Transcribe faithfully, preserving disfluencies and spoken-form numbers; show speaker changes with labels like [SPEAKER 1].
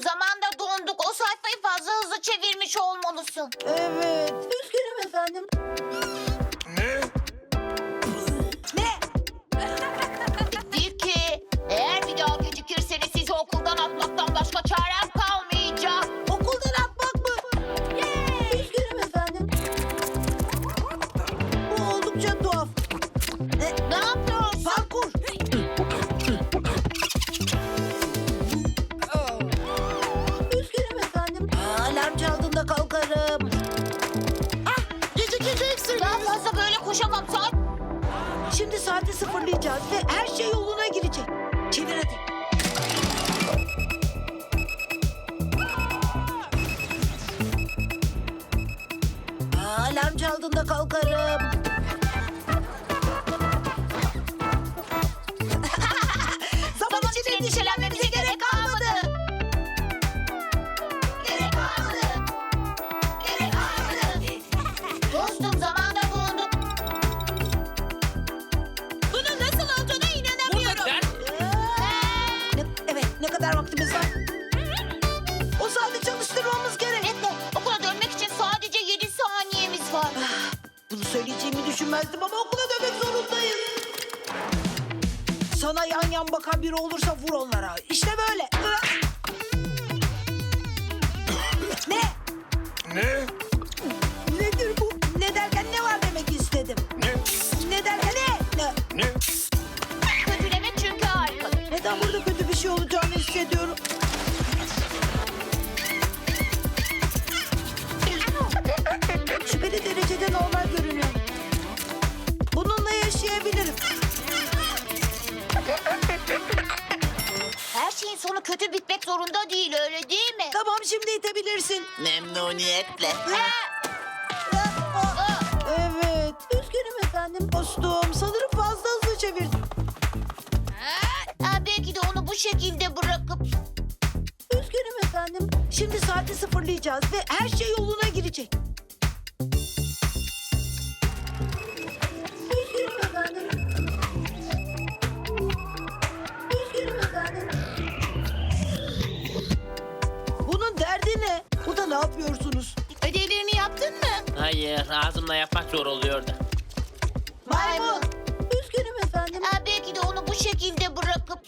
[SPEAKER 1] Zamanda donduk. O sayfayı fazla hızlı çevirmiş olmalısın.
[SPEAKER 2] Evet. Üzgünüm efendim.
[SPEAKER 3] Ne?
[SPEAKER 2] Ne?
[SPEAKER 1] Tilki, eğer bir daha gecikirseniz sizi okuldan atmaktan başka çarem kalmayacak.
[SPEAKER 2] Okuldan atmak mı? Üzgünüm efendim. Bu oldukça tuhaf. E,
[SPEAKER 1] Ne yapıyorsun?
[SPEAKER 2] parkur. Üzgünüm efendim. Aa, alarm çaldığında kalkarım. Ah, gecikeceksin.
[SPEAKER 1] Daha fazla böyle koşamam. Saat
[SPEAKER 2] Şimdi saati sıfırlayacağız ve her şey yoluna girecek. Çevir hadi. Aa, alarm çaldığında kalkarım. Zaman için endişelenmemize gerek kalmadı.
[SPEAKER 1] gerek kalmadı. Gerek kalmadı. Dostum, zamanda donduk. Bunun nasıl olduğuna inanamıyorum.
[SPEAKER 2] Ne, evet, ne kadar vaktimiz var? O saati çalıştırmamız gerek.
[SPEAKER 1] Bekle, okula dönmek için sadece yedi saniyemiz var.
[SPEAKER 2] Ah, bunu söyleyeceğimi düşünmezdim ama okula dönmek zorundayız. Sana yan yan bakan biri olursa vur onlara. İşte böyle. Ne?
[SPEAKER 3] Ne?
[SPEAKER 2] Nedir bu? Ne derken ne var demek istedim.
[SPEAKER 3] Ne?
[SPEAKER 2] Ne derken ne? Ne?
[SPEAKER 3] Ne?
[SPEAKER 1] Kötülemek çünkü harikadır.
[SPEAKER 2] Neden burada kötü bir şey olacağını hissediyorum? Şüpheli derecede normal görünüyor. Bununla yaşayabilirim.
[SPEAKER 1] Her şeyin sonu kötü bitmek zorunda değil, öyle değil mi?
[SPEAKER 2] Tamam, şimdi itebilirsin.
[SPEAKER 4] Memnuniyetle.
[SPEAKER 2] Evet, üzgünüm efendim. Dostum, sanırım fazla hızlı çevirdim.
[SPEAKER 1] Ha, belki de onu bu şekilde bırakıp...
[SPEAKER 2] Üzgünüm efendim. Şimdi saati sıfırlayacağız ve her şey yoluna girecek. Üzgünüm efendim. Üzgünüm efendim. Bunun derdi ne? Bu da ne yapıyorsunuz?
[SPEAKER 1] Ödevlerini yaptın mı?
[SPEAKER 4] Hayır, ağzımla yapmak zor oluyordu.
[SPEAKER 2] Maymun. Üzgünüm efendim.
[SPEAKER 1] Ha, belki de onu bu şekilde bırakıp...